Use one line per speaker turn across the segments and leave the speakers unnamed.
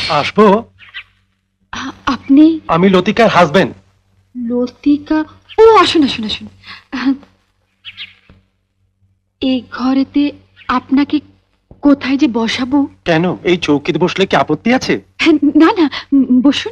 আসবো?
আপনি?
আমি লতিকার হাজবেন্ড।
লতিকা? ও আসুন আসুন আসুন। এই ঘরেতে আপনাকে কোথায় যে বসাবো?
কেন, এই চৌকিতে বসলে কি আপত্তি আছে?
না না, বসুন।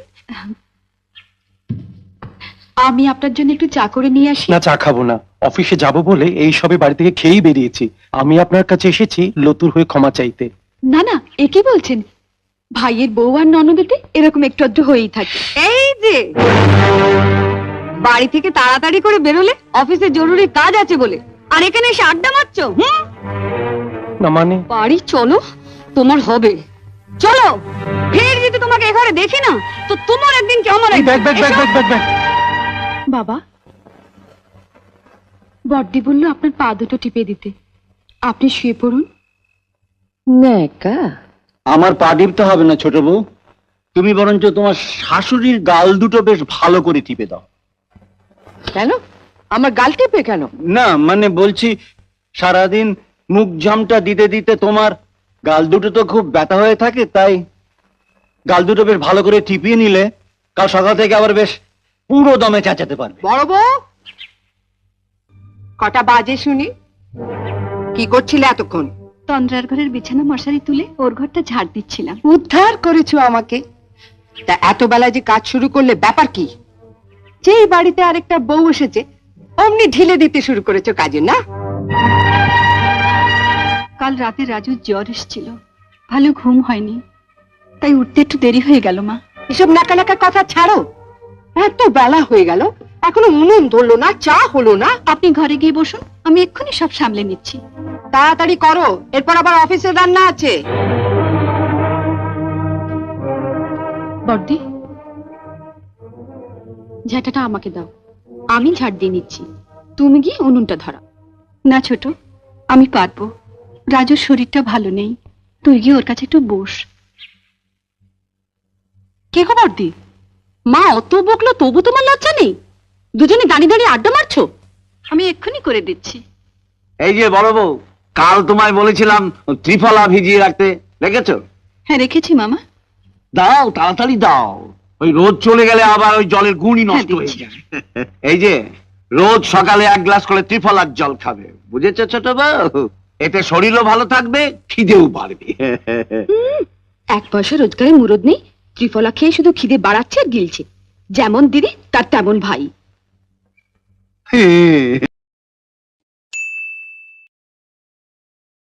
আমি আপনার জন্য একটু চা করে নিয়ে আসি।
না, চা খাবো না। অফিসে যাব বলে এই সবে বাড়ি থেকে খেয়েই বেরিয়েছি। আমি আপনার কাছে এসেছি লতুর হয়ে ক্ষমা চাইতে।
না না, এ কি বলছেন? ভাইয়ের বউ আর ননদেতে এরকম একটু আধটু হয়েই থাকে।
এই যে বাড়ি থেকে তাড়াতাড়ি করে বেরোলে অফিসে জরুরি কাজ আছে বলে, আর এখানে এসে আড্ডা মারছো।
না মানে?
বাড়ি চলো, তোমার হবে। চলো, ফের যদি তোমাকে এ ঘরে দেখি না তো তোমার একদিন কি আমার
bag bag bag bag bag bag.
বাবা, বড়দি বলল আপনার পা দুটো টিপে দিতে। আপনি শুয়ে পড়ুন।
নেকা, আমার পা টিপতে হবে না ছোট বউ, তুমি বরঞ্চ তোমার শাশুড়ির গাল দুটো বেশ ভালো করে টিপে দাও।
কেন? আমার গাল টিপে কেন?
না মানে বলছি, সারাদিন মুখ জামটা দিতে দিতে তোমার গাল দুটো তো খুব ব্যথা হয়ে থাকে, তাই গাল দুটো বেশ ভালো করে টিপিয়ে নিলে কাল সকাল থেকে আবার বেশ পুরো দমে চেঁচাতে পারবে।
বড় বউ, কটা বাজে শুনি? কি করছিলে এতক্ষণ?
তন্দ্রার ঘরের বিছানা মশারি তুলে ওর ঘরটা ঝাড় দিচ্ছিলাম।
উদ্ধার করেছো আমাকে। তা এত বেলায় যে কাজ শুরু করলে ব্যাপার কি? যেই বাড়িতে আরেকটা বউ এসেছে অমনি ঢিলে দিতে শুরু করেছো কাজে, না?
কাল রাতে রাজুর জ্বর এসেছিল, ভালো ঘুম হয়নি, তাই উঠতে একটু দেরি হয়ে গেল মা।
এসব নাকা নাকা কথা ছাড়ো। এত বেলা হয়ে গেল, এখনো উনুন ধরলো না, চা হলো না।
আপনি ঘরে গিয়ে বসুন, আমি এক্ষুনি সব সামলে নিচ্ছি।
তাড়াতাড়ি করো, এরপর আবার অফিসে রান্না আছে।
বড়দি, ঝাঁটাটা আমাকে দাও, আমি ঝাড় দিয়ে নিচ্ছি। তুমি গিয়ে উনুনটা ধরা। না ছোট, আমি পারবো। রাজুর শরীরটা ভালো নেই, তুই গিয়ে ওর কাছে একটু বস।
কে খবর দি? মা অত বকলো তবু তোমার লজ্জা নেই? দুজনে দাঁড়িয়ে দাঁড়িয়ে আড্ডা মারছো।
আমি এক্ষুনি করে দিচ্ছি।
এই যে বড় বউ, কাল তোমায় বলেছিলাম ত্রিফলা ভিজিয়ে রাখতে, রেখেছো?
হ্যাঁ রেখেছি মামা।
দাও, তাড়াতাড়ি দাও, ওই রোদ চলে গেলে আবার ওই জলের গুণই নষ্ট হয়ে
দিচ্ছি।
যায়। এই যে রোজ সকালে 1 গ্লাস করে ত্রিফলার জল খাবে, বুঝেছো ছোট বউ? এতে শরীরও ভালো থাকবে, খিদেও বাড়বে।
1 পয়সা রোজগারে মুরদ নেই, ত্রিফলা খেয়ে শুধু খিদে বাড়াচ্ছে আর গিলছে। যেমন দিদি তার তেমন ভাই।